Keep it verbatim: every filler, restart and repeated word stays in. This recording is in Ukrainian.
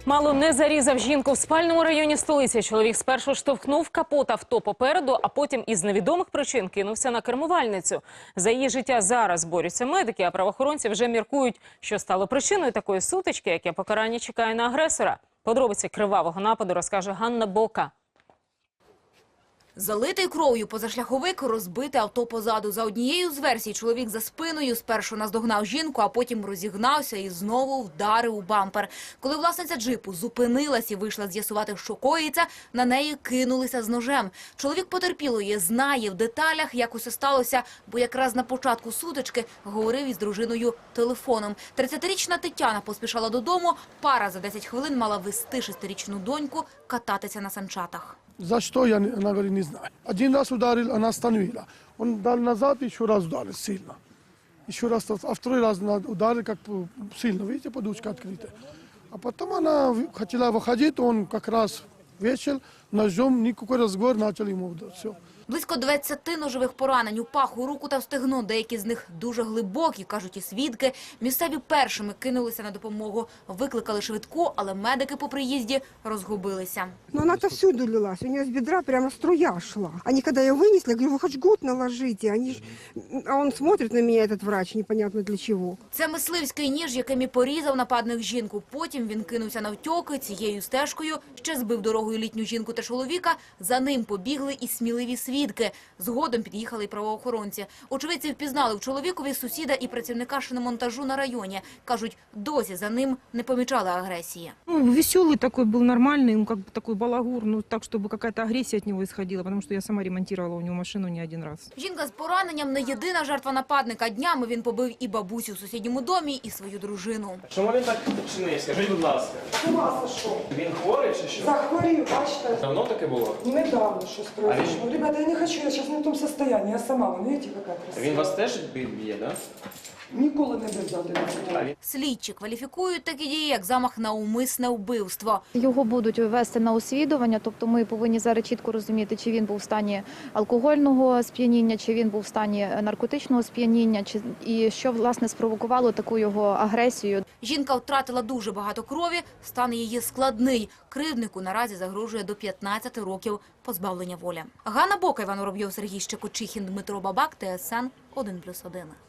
Мало не зарізав жінку в спальному районі столиці. Чоловік спершу штовхнув капот авто попереду, а потім із невідомих причин кинувся на кермувальницю. За її життя зараз борються медики, а правоохоронці вже міркують, що стало причиною такої сутички, яке покарання чекає на агресора. Подробиці кривавого нападу розкаже Ганна Бока. Залитий кров'ю позашляховик, розбите авто позаду. За однією з версій, чоловік за спиною спершу наздогнав жінку, а потім розігнався і знову вдарив у бампер. Коли власниця джипу зупинилась і вийшла з'ясувати, що коїться, на неї кинулися з ножем. Чоловік потерпілої знає в деталях, як усе сталося, бо якраз на початку сутички говорив із дружиною телефоном. тридцятирічна Тетяна поспішала додому, пара за десять хвилин мала вести шестирічну доньку кататися на санчатах. За что, я, она говорит, не знаю. Один раз ударил, она остановила. Он дал назад, еще раз ударил сильно. Еще раз, а второй раз ударил как сильно, видите, подушка открыта. А потом она хотела выходить, он как раз вечер, ножом, никакой разговор, начал ему удар. Все. Близько двадцяти ножових поранень у пах, у руку та в стегно. Деякі з них дуже глибокі, кажуть і свідки. Місцеві першими кинулися на допомогу. Викликали швидку, але медики по приїзді розгубилися. Но она-то всюду лилась. У нее с бедра прямо струя шла. Они когда ее вынесли, я говорю, вы хоть жгут наложите. Они ж... А он смотрит на меня, этот врач, непонятно для чего. Це мисливський ніж, яким і порізав нападник жінку. Потім він кинувся навтьоки, цією стежкою ще збив дорогою літню жінку та чоловіка. За ним побігли і сміливі свідки. Згодом під'їхали й правоохоронці. Очевидці впізнали в чоловікові сусіда і працівника шиномонтажу на районі. Кажуть, досі за ним не помічали агресії. Ну, веселый такой был, нормальный, ну, как бы такой балагур, ну, так, чтобы какая-то агрессия от него исходила, потому что я сама ремонтировала у него машину не один раз. Жінка з пораненням не єдина жертва нападника. Днями він побив і бабусю в сусідньому домі, і свою дружину. Чому він так чинив? Скажіть, будь ласка. З ума сошов. Він хворий чи що? Захворів, бачите. Давно таке було? Недавно щось произошло. Ребята, я не хочу, я зараз не в тому стані. Я сама, ви бачите, яка красива. Він вас теж б'є, так? Ніколи не бив за один. Слідчі кваліфікують такі дії, як замах на умисне вбивство. Його будуть вести на освідування, тобто ми повинні зараз чітко розуміти, чи він був в стані алкогольного сп'яніння, чи він був в стані наркотичного сп'яніння, чи і що, власне, спровокувало таку його агресію. Жінка втратила дуже багато крові, стан її складний. Кривднику наразі загрожує до п'ятнадцяти років позбавлення волі. Ганна Бока, Іван Воробйов, Сергій Щекочихін, Дмитро Бабак, Т С Н один плюс один.